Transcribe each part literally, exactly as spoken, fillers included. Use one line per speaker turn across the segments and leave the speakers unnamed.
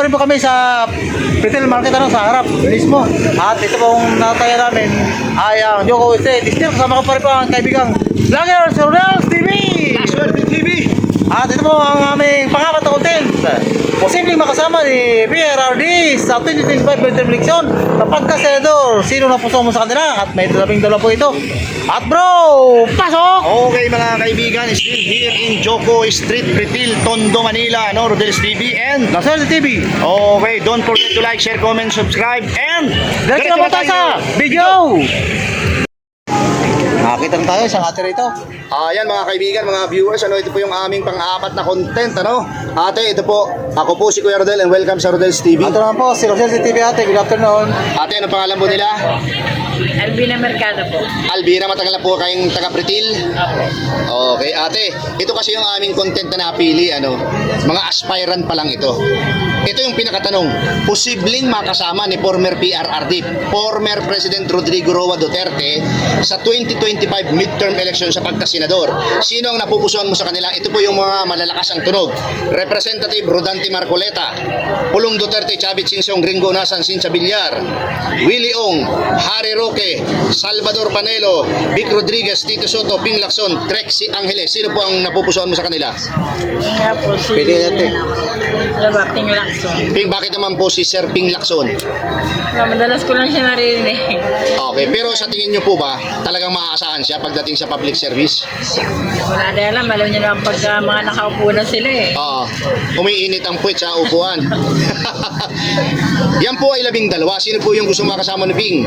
rin po kami sa retail market ano, sa harap mismo. At ito pong nataya namin ay ang Joko Estate. Still kasama ko pa rin po ang kaibigang Vlogger sa Rodels T V.
T V.
At ito po ang aming pangapat na content. Posibleng makasama ni P R R D sa twenty twenty-five midterm election na pagka-senador. Sino na puso mo sa kanila? At may dalawang dalawa po ito. At bro, pasok!
Okay mga kaibigan, still here in Joko Street, Retail, Tondo, Manila, no, Rodels T V and
Nasaan sa T V?
okay, don't forget to like, share, comment, subscribe and
Diretso na po tayo sa video! Nakakita na tayo sa ate rito.
Ayan mga kaibigan, mga viewers, ano ito po yung aming pang-apat na content, ano? Ate, ito po, ako po si Kuya Rodel and welcome sa Rodels T V.
Ito naman po, si Rosel sa T V ate. Good afternoon.
Ate, ano pangalan po nila?
Albina Mercado po.
Albina, matagal na po kayong taga-Pretil?
Opo.
Okay, ate, ito kasi yung aming content na napili, ano, mga aspirant pa lang ito. Ito yung pinakatanong, posibleng makasama ni former P R R D, former President Rodrigo Roa Duterte sa twenty twenty-five midterm election sa pagkasenador. Sino ang napupusuan mo sa kanila? Ito po yung mga malalakas ang tunog. Representative Rodante Marcoleta, Pulong Duterte, Chavit Singsong, Ringo Nasan, Sincha Villar, Willie Ong, Harry Roque, Salvador Panelo, Vic Rodriguez, Tito Soto, Ping Lacson, Trexie Angeles. Sino po ang napupusuan mo sa kanila?
Nga po si...
Pili natin.
Labating Lacson.
Ping, bakit naman po si Sir Ping Lacson?
Na madalas ko lang siya narinig.
Okay, pero sa tingin nyo po ba, talagang maaasahan siya pagdating sa public service?
Wala na alam. Alam niyo naman pag uh, mga nakaupo na sila eh.
Oo, umiinit ang puwet sa upuan. Yan po ay labing dalawa. Sino po yung gusto makasama ni Ping?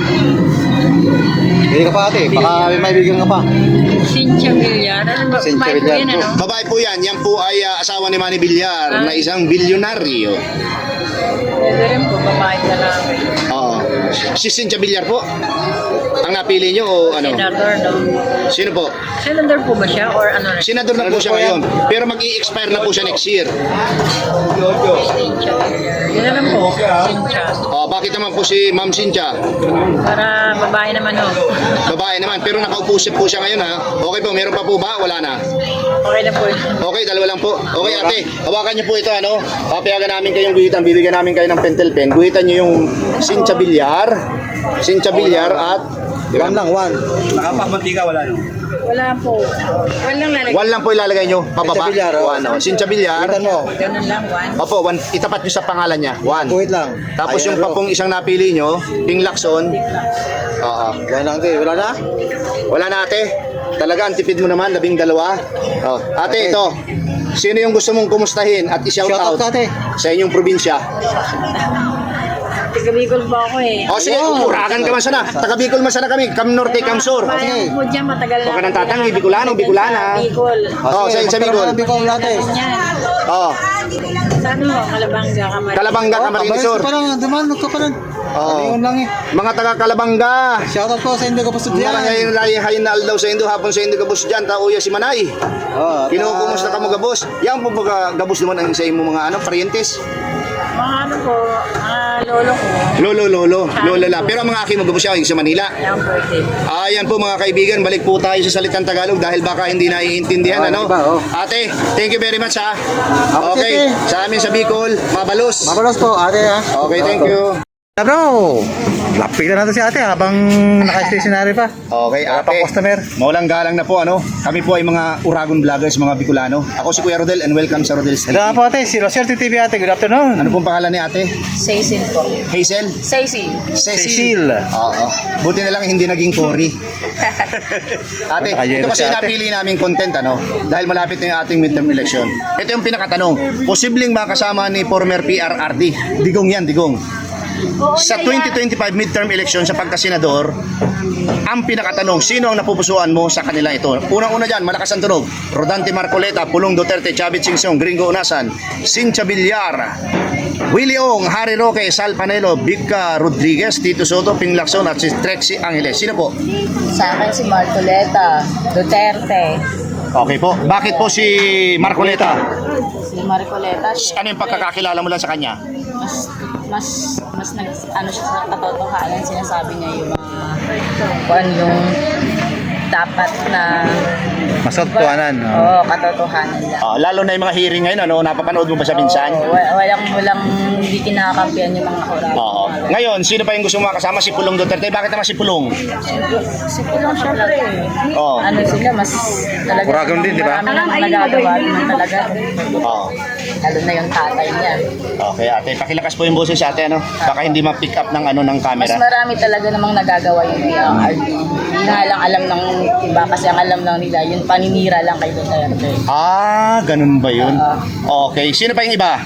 Pili ka pa ate, baka may maibigan ka pa.
Sincha Villar. Ano ba?
Cynthia
May po
Villar
yun
po.
ano?
Babae po yan. Yan po ay uh, asawa ni Manny Villar,
Ah.
na isang bilyonaryo.
Pwede rin po. Babae na lang.
Oo. Si Cynthia Villar po? Ang napili nyo o ano?
Senator, no?
Sino po?
Senator po ba siya? Or ano na?
Senador na po siya ngayon. Pero mag-i-expire na po siya next year.
Sincha Villar. Yun na lang po. Sincha.
Oh, bakit naman po si Ma'am Cynthia?
Para babae naman ho.
Babae naman, pero nakaupo siya po siya ngayon ha. Okay po, meron pa po ba? Wala na.
Okay na po.
Okay, dalawa lang po. Okay ate, hawakan niyo po ito ano. Papayagan namin kayong guhitan, bibigyan namin kayo ng pentel pen. Guhitan niyo yung Cynthia Villar, Cynthia Villar at
One lang, one.
nakapamantika wala no.
Wala po. Walang lalagay.
One lang po ilalagay niyo, pababa.
Cynthia Villar, oh.
One, oh. Cynthia Villar.
Guhitan mo.
Ganun lang, one.
Opo, one, itapat niyo sa pangalan niya. One.
Guhit lang.
Tapos
Ayan,
yung
bro.
papong isang napili niyo, Ping Lacson. Oo.
Yan lang ate, wala na?
Wala na ate. Talaga ang tipid mo naman, labing dalawa. Oh. Ate,
Ate.
ito. Sino yung gusto mong kumustahin at i-shout
Shout out
out
ka ate.
sa inyong probinsya?
Taga Bicol ba ako eh.
O sige,
Wow.
urakan ka man sana. Taga Bicol man sana kami. Cam Norte, Cam Sur.
Bayan po dyan, matagal na.
Huwag ka nang tatangi, Bicolano, Bicolana.
Bicol.
Oh, sa- sa Bicol.
Bicol ate.
Yan.
Oh,
Sa ano, Kalabanga, Camarines.
Kalabanga, Camarines Sur.
Pa lang, dumanot ka pa lang.
Oo.
Ayun lang eh.
Mga taga Kalabanga.
Shoutout po sa Indo Kapusod
Mga
yan.
ngayon lagi hayin na aldaw sa Indo, hapon sa Indo gabos dyan, tauya si Manay.
Oh,
Kinukumusta ka mo gabos? Yan po baga gabos naman ang sa imo mga ano, parientes.
Mga ano po, mga lolo ko.
Lolo, lolo, lolo la. Pero ang mga aking magabos siya yung sa Manila.
Yan po ito.
Ayan po mga kaibigan, balik po tayo sa salitang Tagalog dahil baka hindi naiintindihan
Oh,
ano.
iba, oh.
Ate, thank you very much ha.
Ako,
Okay,
ate.
sa amin sa Bicol, mabalos.
Mabalos po ate ha.
Okay, thank you.
Na bro, lapitan natin si ate habang naka-stationary pa.
Okay,
Wala
ate.
pang customer.
Maulang galang na po ano. Kami po ay mga Uragon vloggers, mga Bicolano. Ako si Kuya Rodel and welcome sa Rodel's T V.
Ito na po ate, si Rosel T V ate. Good afternoon.
Ano pong pangalan ni ate?
Saisin po.
Hazel?
Saisin.
Cecil.
Oo. Buti na lang hindi naging Cory. Ate, ito kasi
si ate.
napili naming content ano, dahil malapit na yung ating midterm election. Ito yung pinakatanong, posibleng makasama ni former P R R D. Digong yan, digong. Sa twenty twenty-five midterm election sa pagkasenador, ang pinakatanong, sino ang napupusuan mo sa kanila ito? Unang-una dyan, malakas ang tunog. Rodante Marcoleta, Pulong Duterte, Chavit Singsong, Gringo Unasan, Cynthia Villar, Willie Ong, Harry Roque, Sal Panelo, Vica Rodriguez, Tito Soto, Ping Lacson at si Trexie Angeles. Sino po?
Sa akin si Marcoleta, Duterte.
Okay po. Bakit po si Marcoleta?
Si Marcoleta,
Ano yung pagkakakilala mo lang sa kanya?
mas mas mas nag ano siya sa katotohanan, sinasabi niya yung mga kuan yung dapat na
Mas katotohanan.
Oo,
Oh.
katotohanan lang.
Ah, lalo na yung mga hearing ngayon, ano, napapanood mo ba sa minsan?
Oo, wa- walang, walang hindi kinakampihan yung mga kurado.
Oo. Ngayon, sino pa yung gusto mo makasama? Si Pulong Duterte. Bakit naman si Pulong?
Si Pulong syempre,
Oo.
ano sila, mas talaga.
Kuragon din, di ba?
Marami nang nagagawa naman talaga.
Oo.
Lalo na yung tatay niya.
Okay, ate, pakilakas po yung boses sa ate, ano? Baka hindi ma-pick up ng ano ng
Mas
camera.
marami talaga namang nagagawa yung P R D. Hindi nga lang alam ng iba kasi ang alam lang nila, yung paninira lang kay Duterte.
Ah, ganun ba yun? Okay, sino pa yung iba?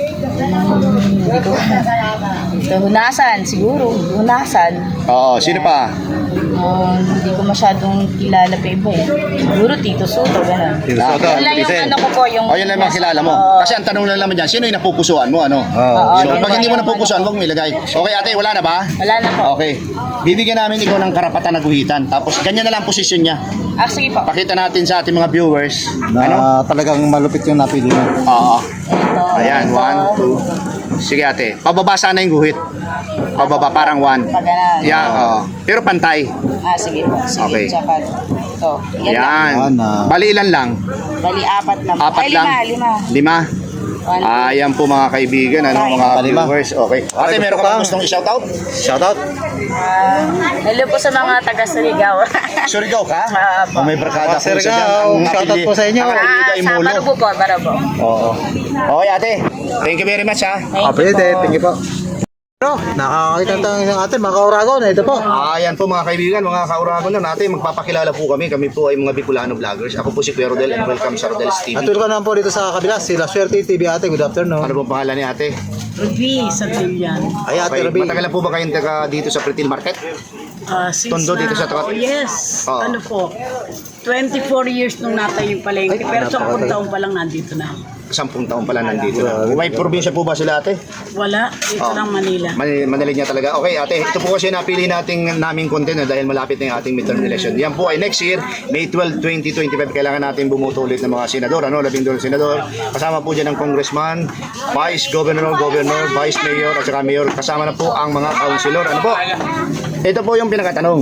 Hindi ko. Ito, hunasan, siguro. Hunasan.
Oo, sino pa?
Um, hindi ko masyadong kilala pa iba eh. Siguro Tito Soto, gano'n.
Tito Soto,
Yun lang yung
Lisen.
ano ko po, yung...
O, yun lang yung kilala mo.
Oo.
Kasi ang tanong lang naman dyan, sino yung napupusuan mo, ano?
Oo.
Oo,
So,
yun
pag
lang
hindi mo
yung
napupusuan,
ano.
huwag mo ilagay. Okay, ate, wala na ba?
Wala na po.
Okay. Bibigyan namin ikaw ng karapatan na guhitan. Tapos, ganyan na lang posisyon niya.
Ah, sige po.
Pakita natin sa ating mga viewers.
Na
Ano?
talagang malupit yung napili mo.
Oo.
Ito.
Ayan,
ito.
one, two. Sige, ate. Pababa sana yung guhit. Pababa, parang one.
Pag ganun.
Yan, oo. Pero pantay.
Ah, sige po. Sige,
Okay.
tsaka ito. Yan lang.
Yan.
Yan, ah.
Bali, ilan lang?
Bali, apat lang.
Apat
Ay,
lang?
lima, lima.
Lima?
One, two.
Ayan po mga kaibigan, ano, mga
Palima.
viewers. Okay. Ate,
Okay,
meron ka
gusto
bang
ka?
gustong i-shoutout?
Shoutout.
Ah, hello po sa mga taga Surigao.
Surigao ka?
Ah, po.
Oh, may barkada
Ah,
po sa
Surigao.
dyan. Ang
Shoutout
napili-
po sa inyo.
ang napili
Ah,
ay
sa
Mulo.
Barubo po, Barubo.
Oo. Okay, ate. Thank you very much, ha.
Thank
Kapit
you
eh,
po.
thank you po. Pero, nakakakita tayo ng atin, mga kauragon. Ito po.
Ayan po mga kaibigan, mga kauragon na natin. Magpapakilala po kami. Kami po ay mga Bicolano vloggers. Ako po si Kuya Rodel and welcome sa Rodel's T V.
At welcome naman po dito sa kabila, si La Suerte T V ate. Good afternoon.
Ano pong pangalan ni ate?
Ruby sa Tilian.
Ay ate
Okay.
Ruby.
Matagal na po ba kayong taga dito sa Pretil Market?
Ah, since
Tondo dito
na-
sa Takat-
Oh, yes.
Oo.
Ano po? twenty-four years nung natayo yung palengke.
Ay,
Pero sa
napakatagal.
taon pa lang nandito na.
Sampung taon pala nandito na. May probinsya po ba sila ate?
Wala. Dito
Oo.
lang Manila.
Man- Manila niya talaga. Okay, ate, ito po kasi napili nating naming content na dahil malapit na yung ating midterm election. Yan po ay next year, May twelfth, twenty twenty-five. Kailangan natin bumuto ulit ng mga senador, ano, labing dalawang senador. Kasama po dyan ng congressman, vice governor, governor, vice mayor, at saka mayor. Kasama na po ang mga councilor. Ano po? Ito po yung pinakatanong.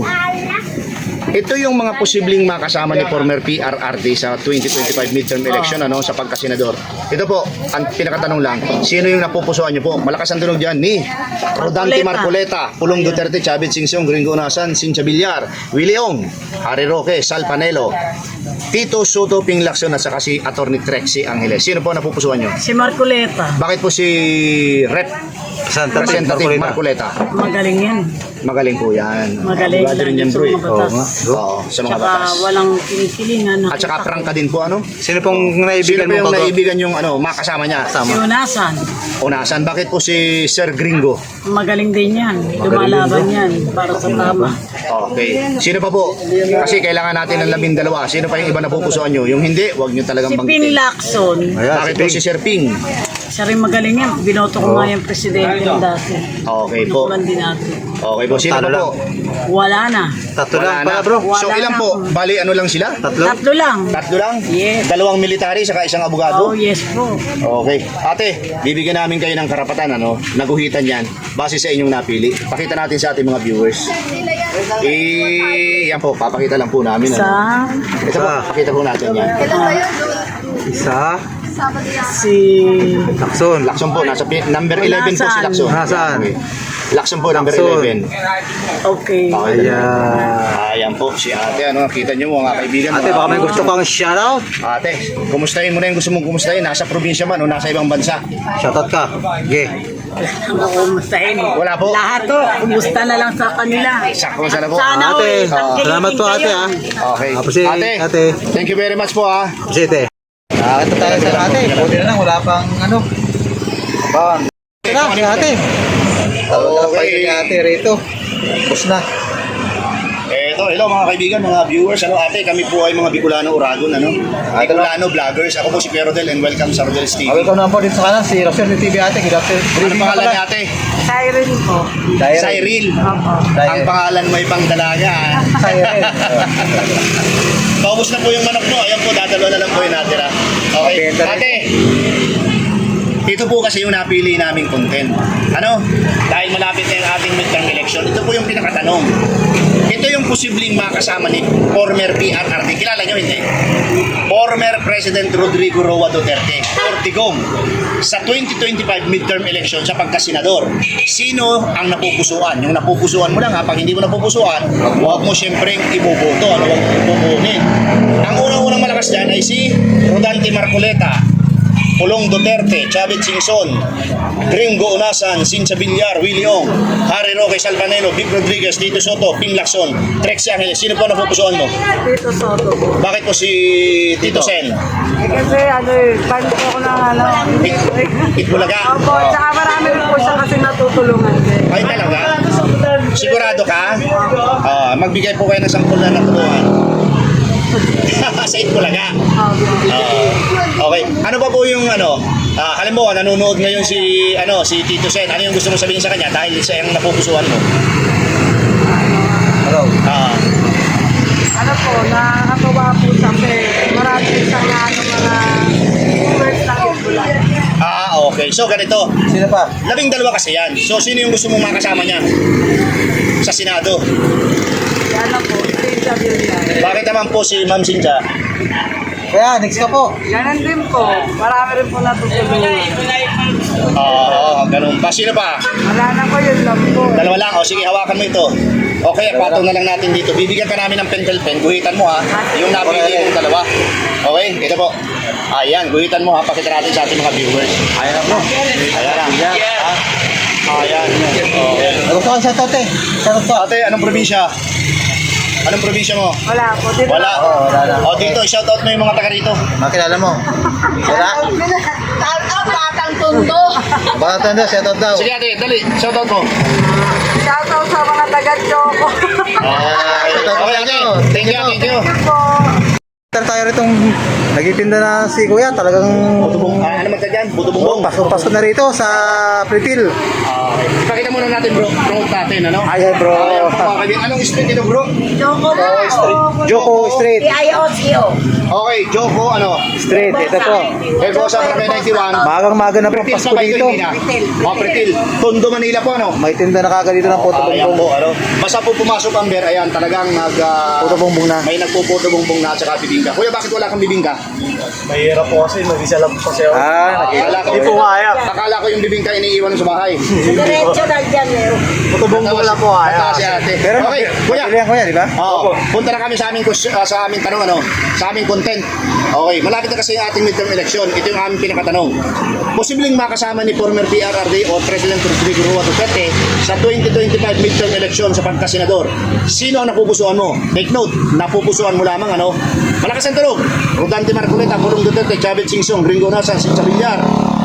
Ito yung mga posibleng makasama ni former P R R D sa twenty twenty-five midterm election ano sa pagkasenador. Ito po, ang pinakatanong lang, sino yung napupusuan niyo po? Malakas ang tunog diyan ni Rodante Marcoleta, Pulong Duterte, Chavez Singsong, Gringo Unasan, Cynthia Villar, Willie Ong, Harry Roque, Sal Panelo, Tito Soto, Ping Lacson at saka si Attorney Trexie Angeles. Sino po napupusuan niyo?
Si Marcoleta.
Bakit po si Rep
Santa
Representative Marcoleta?
Magaling yan.
Magaling po yan.
Magaling
Abogado rin
lang
yan,
sa
bro. eh.
mga batas.
Oo, sa mga
Tsaka
batas.
walang kinikilingan.
At saka prangka din po ano?
Sino pong
Sino
naibigan
po
mo
yung
bago?
naibigan yung ano, makasama niya?
Si Unasan.
Unasan, bakit po si Sir Gringo?
Magaling din yan. Lumalaban yan para sa tama.
Okay. Sino pa po? Kasi kailangan natin ng labing dalawa. Sino pa yung iba na pupusuan nyo? Yung hindi, wag nyo talagang
Si Ping
banggitin.
Lacson.
Ayan,
Bakit
si
po
Ping.
si Sir Ping?
Siya rin magaling yan. Binoto ko nga yung presidente ng dati.
Okay po.
Nakulan din natin.
Okay po. Sino
Talo
pa
lang.
po?
Wala na.
Tatlo
Wala
lang
na.
pala bro.
So
Wala
ilan
na.
po? Bali ano lang sila?
Tatlo?
Tatlo lang.
Tatlo lang?
Yes.
Dalawang military saka isang abogado?
Oh, yes po.
Okay. Ate, bibigyan namin kayo ng karapatan, ano, naguhitan yan, base sa inyong napili. Pakita natin sa ating mga viewers. Eh, yan po, papakita lang po namin. Ano.
Sa
Ito po, pakita po natin yan.
Isa.
si
Lakson.
Lakson po, nasa pi- number eleven po si
Nasaan?
Lakson.
Nasaan?
Okay. Lakson po, number
Lakson.
eleven.
okay.
Ayan.
Ayan po, si ate, ano, kita nyo mga kaibigan.
Ate,
mga-
baka may gusto kang shoutout.
Ate, kumustahin mo na yung gusto mong kumustahin. Nasa probinsya man o nasa ibang bansa.
Shoutout ka. Sige.
Kumustahin.
Wala po.
Lahat to, kumusta na lang sa kanila.
Sakto sana po.
Sana
Ate,
all, ang
salamat po
galing
ate
kayo.
ha.
Okay.
Tapos si
ate,
ate.
thank you very much po ha.
Site. Nakakita tayo sa ate. Buti na lang, wala pang ano. Bang. Ito na, si ate.
Okay.
Si ate rito. Tapos na.
Eto, hello mga kaibigan, mga viewers. Ano ate, kami po ay mga Bicolano Uragon, ano? Bicolano vloggers. Ako po si Kuya Rodel and welcome sa Rodel's T V.
Ah, welcome naman po dito sa kanan, si Roxanne T V ate. Good afternoon.
Ano pangalan ni ate?
Siren po.
Cyril. Ang pangalan mo ay pang dalaga. ha?
Siren.
Paubos na po yung manok mo. Ayan po, dadalo na lang po yung natira. Okay.
Okay, ito-
Ate, ito po kasi yung napili naming content. Ano? Dahil malapit na yung ating midterm election, ito po yung pinakatanong. Ito yung posibleng makasama ni former P R R D. Kilala nyo hindi? Former President Rodrigo Roa Duterte, Ortigong, sa twenty twenty-five midterm election sa pagkasenador. Sino ang napupusuan? Yung napupusuan mo lang ha, pag hindi mo napupusuan, huwag mo siyempre iboboto, ano, huwag mo pupunin. Ang unang-unang malakas dyan ay si Rodante Marcoleta, Pulong Duterte, Chavit Singson, Gringo Unasan, Sincha Villar, Willie Ong, Harry Roque Salvanelo, Vic Rodriguez, Tito Soto, Ping Lacson, Trexie Angeles. Sino po napupusuan mo?
Tito Soto po.
Bakit po si Tito Sen?
Eh, kasi ano eh, fan po ako ng ano.
It, Itbulaga?
Opo, tsaka marami rin po siya kasi natutulungan din.
Ay talaga? Sigurado ka? Ah, magbigay po kayo ng sampul na natulungan. Sa Itbulaga? Ah, okay. Ano ba po yung ano? Ah, halimbawa nanonood ngayon si ano si Tito Sen. Ano yung gusto mo sabihin sa kanya dahil sa yung napupusuan mo?
Hello.
Ah,
Ano po, nakakatawa po siya kasi marami siyang ano, mga viewers ng Itbulaga.
ah, okay. So ganito.
Sino pa?
Labing dalawa kasi yan. So sino yung gusto mong makasama niya? Sa Senado.
Yan lang po, Sincha Villar.
Bakit naman po si Ma'am Sinja?
Kaya, next ka po.
Ganun din po, marami rin po natutulungan.
Oo, ganun pa. Sino pa?
Wala na po, yun lang po.
Dalawa lang. O sige, hawakan mo ito. Okay, patong na lang natin dito. Bibigyan ka namin ng pentel pen. Guhitan mo ha. Yung napili mong dalawa. Okay, ito po. Ayan, guhitan mo ha. Pakita natin sa ating mga viewers.
Ayan na bro.
Ayan lang. Ha? Ayan. Okay.
Nagustuhan siya to, te. Sarap to.
Ate, anong probinsya? Anong probinsya mo?
Wala po, dito
Wala.
Oo, wala lang.
O dito, shoutout mo yung mga taga rito.
Makilala mo. Wala?
Ang batang tundo.
Baka tanda, set out daw.
Sige ate, dali. Shoutout mo.
Shoutout sa mga taga-Choco.
Ah,
Shoutout
okay,
sa
ate.
inyo.
Thank you, thank you.
po.
Tara tayo ritong nagtitinda na si Kuya. Talagang
Butubong, ah, ano man ka dyan?
Oh,
Butubong.
pasok-pasok na rito sa Pretil.
Okay. Pakita muna natin bro, promote natin, ano?
Ay, ay, bro.
Ayan po, mga kaibigan. Anong street ito bro?
Joko na.
Joko Street.
I O C O.
Okay, Joko, ano?
Street, ito po.
Herbosa, Barangay ninety-one.
Magang-maga na po,
Pretil
Pasko
pa ba ito,
dito.
hindi na? Oh, Pretil. Tondo, Manila po, ano?
May tinda na kagad dito ng puto
Ayan po,
bongbong.
ano? Basta po pumasok ang beer, ayan, talagang nag... ah,
Puto bongbong na.
May nagpuputo bongbong na at saka bibingka. Kuya, bakit wala kang bibingka?
Mahirap po kasi mag-isa lang po kasi ako.
Ah, nakita.
Akala ko,
Hindi po kaya.
akala ko yung bibingka iniiwan sa bahay.
Diretso na dyan meron.
Tutubong ko lang po kaya.
Mataas si ate.
Pero
Okay, kuya.
pilihan Kuya, di ba?
Oo. Punta na kami sa aming kus- ah, sa aming tanong ano, sa aming content. Okay, malapit na kasi yung ating midterm election. Ito yung aming pinakatanong. Posibleng makasama ni former P R R D o President Rodrigo Roa Duterte sa twenty twenty-five midterm election sa pagkasenador. Sino ang napupusuan mo? Take note, napupusuan mo lamang ano. Malakas ang tunog. Rodante Marcoleta, Pulong Duterte, Chavit Singson, Gringo Unasan, Sincha Villar.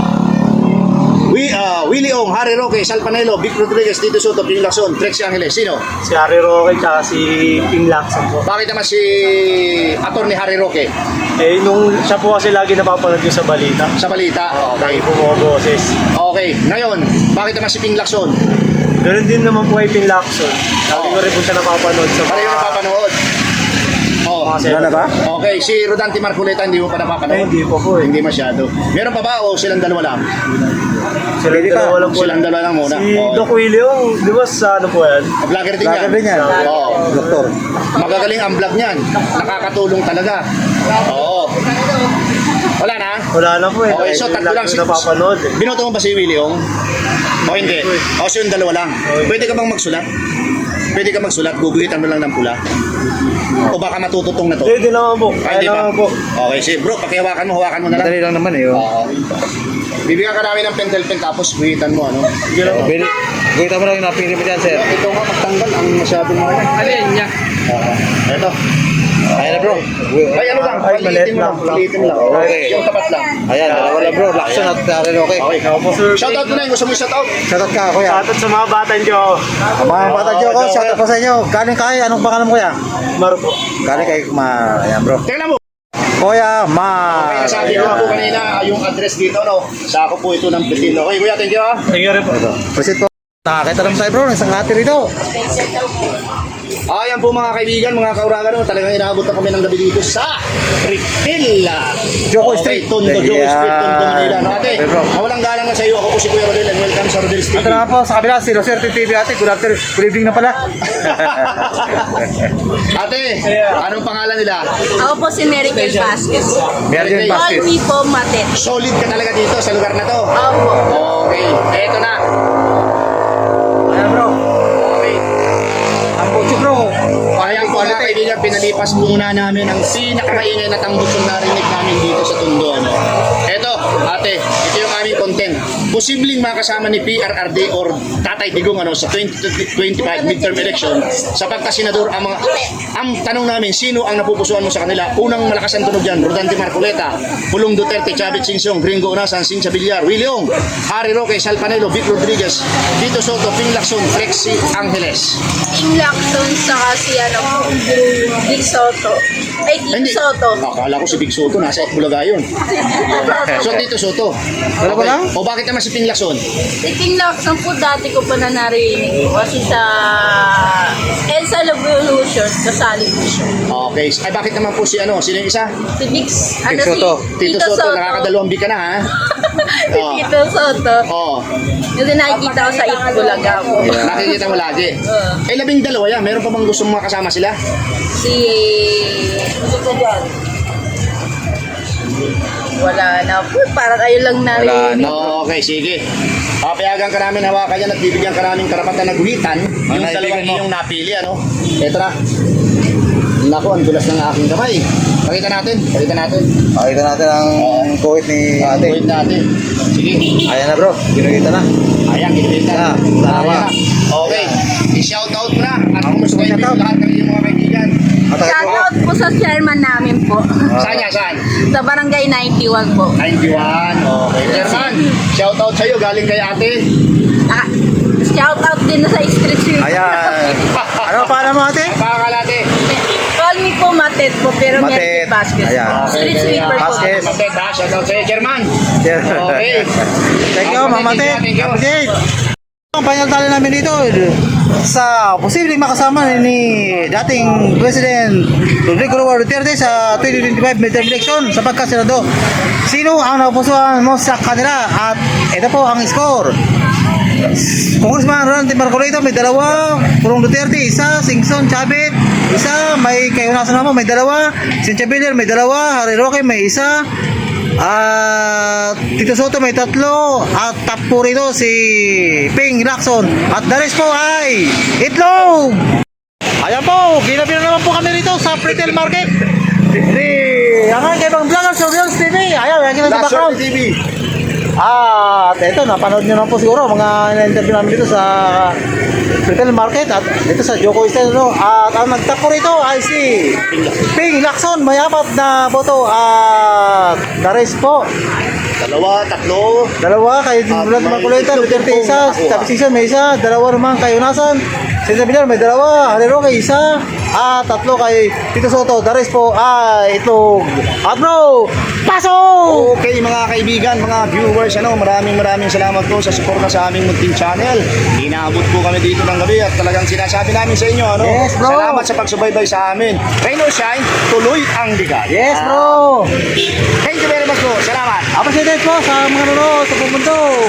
We, uh, Willie Ong, Harry Roque, Salpanelo, Vic Rodriguez, Tito Soto, Ping Lacson, Trexie Angeles. Sino?
Si Harry Roque tsaka si Ping Lacson po.
Bakit naman si Atty. Harry Roque
Eh, nung siya po kasi lagi napapanood ko sa balita.
sa balita?
Lagi
Okay.
po mga boses.
Okay. Ngayon, bakit naman si Ping Lacson?
Ganun din naman po kay Ping Lacson. Lagi ko rin po siya napapanood sa
Pareho
mga...
napapanood. Oh.
mga
Wala na ba?
Okay, si Rodante Marcoleta hindi mo pa
Eh,
napapanood?
hindi po po eh.
Hindi masyado. Meron pa ba o silang dalawa lang?
Sila
Pwede
dalawa
pa.
lang po.
Silang dalawa lang muna.
Si
Okay.
Doc Willie, oh, di ba sa ano po yan?
Vlogger din yan.
Vlogger din yan.
Oo.
Doktor.
Magagaling ang vlog niyan. Nakakatulong talaga. Oo. Wala na?
Wala na po eh.
Okay, so
Lagi
tatlo lang
ko
si...
napapanood eh.
Binoto mo ba si Willie Ong? O hindi? O so yung dalawa lang. Pwede ka bang magsulat? Pwede ka magsulat, guguhitan mo lang ng pula. O baka matututong na to.
Hindi, hindi naman po.
Ay,
Kaya
hindi pa.
naman po.
Okay, sige bro, pakihawakan mo, hawakan mo na lang.
Madali lang naman eh. Oh.
Oo. Bibigyan ka namin ng pentel pen tapos guhitan mo, ano?
Sige lang po.
Bili. Kita mo lang yung napili mo dyan, sir.
Ito nga magtanggal ang masyadong mga yan. Alin niya? Oo. Ito.
Ayan na bro.
Ay, ano lang?
Ay,
Paliitin mo lang.
maliit lang.
Paliitin mo lang.
Okay.
Yung tapat lang.
Ayan, dalawa lang bro. Lacson at Harry Roque.
Okay.
Ako po, sir.
Shoutout mo na yung gusto mo i-shoutout.
Shoutout ka, Kuya.
Shoutout sa mga batan ko.
Mga bata dyan ko, shoutout pa sa inyo. Galing kay, anong pangalan mo Kuya?
Maro po.
Galing kay Ma... Ayan bro.
Tingnan mo.
Kuya Ma...
Kaya sabi ko po kanina, yung address dito, no? Sa ako po ito ng Pretilo. Okay, kuya, thank you ah.
Thank you rin po.
Proceed po. Nakakita naman tayo bro, ng isang ate rito.
Ayan po mga kaibigan, mga kauragan, no, talagang inaabot na kami ng gabi dito sa Ripil.
Joko Street.
Tondo, Joko
Yeah.
Street, Tondo, Manila. No, ate,
Okay, bro.
mawalang galang na sa iyo. Ako po si Kuya Rodel and welcome sa Rodel's T V.
Ito naman po sa kabila, si Roserte T V ate. Good afternoon, good evening na pala.
Ate, anong pangalan nila?
Ako po si Mary Kel Vasquez.
Meron
Call
basket.
me po Matet.
Solid ka talaga dito sa lugar na to.
Opo.
Okay, eto na.
Ayan bro,
Okay.
ang butso bro.
Ayan po mga kaibigan, pinalipas muna namin ang pinakamaingay na tambos yung narinig namin dito sa Tondo. Ano? Eto, ate, ito yung aming content. Posibleng makasama ni P R R D or Tatay Digong ano, sa twenty twenty-five midterm election sa pagkasenador. Ang, mga, ang tanong namin, sino ang napupusuan mo sa kanila? Unang malakas ang tunog dyan, Rodante Marcoleta, Pulong Duterte, Chavit Singsong, Gringo Unasan, Cynthia Villar, Willie Ong, Harry Roque, Sal Panelo, Vic Rodriguez, Tito Soto, Ping Lacson, Flexi Angeles.
King Lacson saka si ano, Big Soto. Ay, Tito
Hindi.
Soto.
Akala ko si Big Soto, nasa Bulaga yun. So, Tito Soto.
Wala ba lang?
O bakit naman si Ping Lacson?
Si King Lacson po dati ko pa na narinig ko kasi sa Elsa Revolution, kasali po siya.
Okay. Ay, bakit naman po si ano? Sino yung isa?
Si Big, ano
Soto.
si
Tito, Soto, nakakadalawang bika na ha?
Si Tito Soto.
Oo.
Kasi nakikita ko sa Itbulaga po.
Nakikita mo lagi.
Oo.
Eh, labing dalawa yan. Meron pa bang gusto mong makasama sila?
Si... Wala na po. Parang ayun lang narinig.
No, okay, sige. Papayagan ka namin hawakan yan at bibigyan ka namin karapatan na guhitan yung
Ano,
dalawang
ibigay mo?
iyong napili, ano? Ito na. Naku, ang dulas ng aking kamay. Pakita natin, pakita natin.
Pakita natin ang kuwit ni ate.
Wait natin. Sige.
Ayan na bro, ginugita na.
Ayan, kinilita.
Ah, tama.
Ayan. Okay. I-shout out mo na. At kumusta kayo
Shout out.
lahat ng iyong mga kaibigan.
At ako
Shoutout po sa chairman namin po.
Saan niya? Saan?
Sa Barangay ninety-one po.
ninety-one. Okay. Chairman, shout out sa'yo. Galing kay ate.
Ah, shoutout din na sa street sweeper.
Ayan. Ano pa mo ate?
Pakakal ate.
Call me po Matet po, pero
Matet.
Mary Kel Vasquez.
Ayan.
Street sweeper po.
Vasquez.
Matet ha. Shout out sa'yo, Chairman. Okay.
Thank you, Mama Ted.
Thank you.
Appreciate. Ang final tally namin dito sa posibleng makasama ni dating President Rodrigo Roa Duterte sa twenty twenty-five midterm election sa pagkasenado. Sino ang napupusuan mo sa kanila? At ito po ang score. Congressman Rodante Marcoleta may dalawa, Pulong Duterte isa, Singson Chavit isa, may Kayunasan naman may dalawa, Cynthia Villar may dalawa, Harry Roque may isa, at Tito Soto may tatlo, at top po rito si Ping Lacson, at the rest po ay itlog. Ayan po, ginabi na naman po kami rito sa retail market ni ang aking ibang vlogger sa Rodel's T V. Ayan, yan kita sa background.
T V.
At ito, napanood nyo na po siguro mga na-interview namin dito sa retail market at dito sa Joko Street. No? At ang nagtapo rito ay si Ping Lacson, may apat na boto at the rest po.
Dalawa, tatlo.
Dalawa kay Mulat
may
Marcoleta,
itlog
Duterte
po
isa,
nakuha.
Tapos isa may isa, dalawa naman kay Unasan, Cynthia Villar may dalawa, Harry Roque isa, at tatlo kay Tito Soto, the rest po ay itlog. At bro, pasok!
Okay mga kaibigan, mga viewers, ano, maraming maraming salamat po sa suporta sa aming munting channel. Inaabot po kami dito ng gabi at talagang sinasabi namin sa inyo, ano,
Yes, bro.
salamat sa pagsubaybay sa amin. Rain or shine, tuloy ang bigat.
Yes bro!
Thank you very much po. Salamat.
Appreciate po sa mga nanonood sa buong mundo.